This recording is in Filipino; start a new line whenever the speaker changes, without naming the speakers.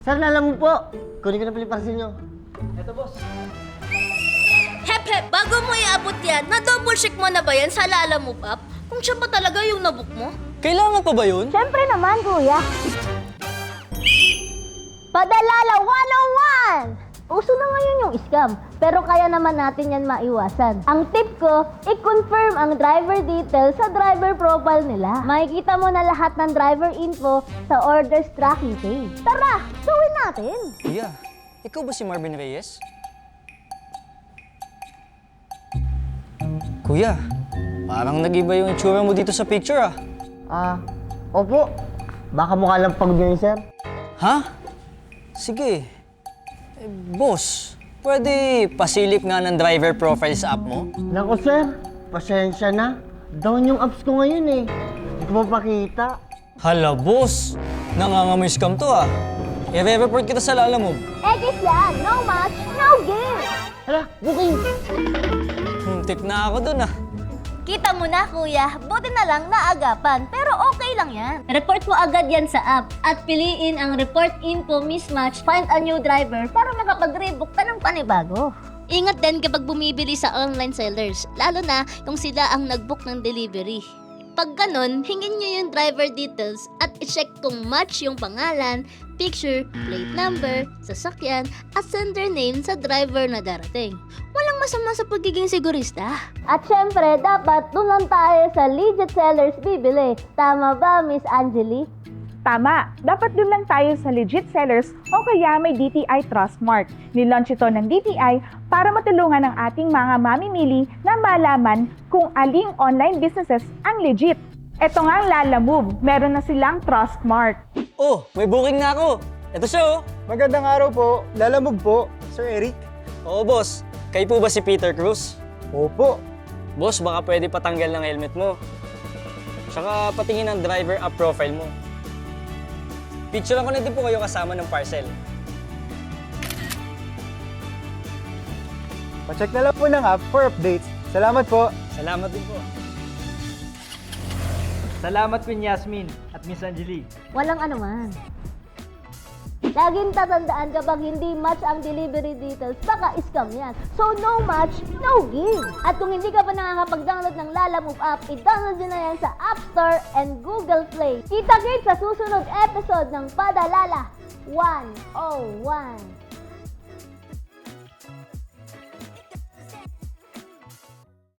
Sir, lalang mo po. Kunin ko na pala yung parcel nyo.
Eto, boss.
Hep, bago mo iabot yan, na-double check mo na ba yan sa Lala Move Up? Kung siya pa talaga yung nabook mo?
Kailangan pa ba yun?
Siyempre naman, kuya. Padalala 101! Uso na ngayon yung scam, pero kaya naman natin yan maiwasan. Ang tip ko, i-confirm ang driver details sa driver profile nila. Makikita mo na lahat ng driver info sa orders tracking page. Tara, gawin natin!
Kuya, ikaw ba si Marvin Reyes? Kuya, parang nag-iba yung itsura mo dito sa picture
Opo. Baka mukha lang pagod yun, sir.
Ha? Sige. Boss, pwede pasilip nga ng driver profile sa app mo?
Naku, sir. Pasensya na. Down yung apps ko ngayon eh. Hindi ko mapakita.
Hala, boss. Nangangamoy scam to I-report kita sa Lala Move.
Egis yan! No match, no game!
Hala, booking!
Tip na ako dun
Kita mo na, kuya. Buti na lang naagapan. Pero okay lang yan.
Report mo agad yan sa app at piliin ang report info mismatch, find a new driver para makapag-rebook ka ng panibago.
Ingat din kapag bumibili sa online sellers, lalo na kung sila ang nag-book ng delivery. Pag ganun, hingin nyo yung driver details at i-check kung match yung pangalan, picture, plate number, sasakyan, at sender name sa driver na darating. Walang masama sa pagiging sigurista.
At syempre, dapat doon lang tayo sa legit sellers bibili. Tama ba, Miss Angeli?
Tama, dapat doon lang tayo sa legit sellers o kaya may DTI Trustmark. Nilaunch ito ng DTI para matulungan ang ating mga mamimili na malaman kung aling online businesses ang legit. Ito nga ang Lala Move, meron na silang Trustmark.
Oh, may booking na ako. Ito siya
Magandang araw po. Lalamog po, Sir Eric.
Oo, boss. Kayo po ba si Peter Cruz?
Opo.
Boss, baka pwede patanggal ng helmet mo. Tsaka patingin ang driver app profile mo. Picturean ko na din po kayo kasama ng parcel.
Pacheck na lang po ng app for updates. Salamat po.
Salamat din po.
Salamat Queen Yasmin at Miss Angeli.
Walang anuman. Laging tatandaan kapag hindi match ang delivery details, baka scam yan. So no match, no give. At kung hindi ka pa nakakapag-download ng Lala Move app, i-download nyo na yan sa App Store and Google Play. Kita-kits sa susunod episode ng Padalala 101.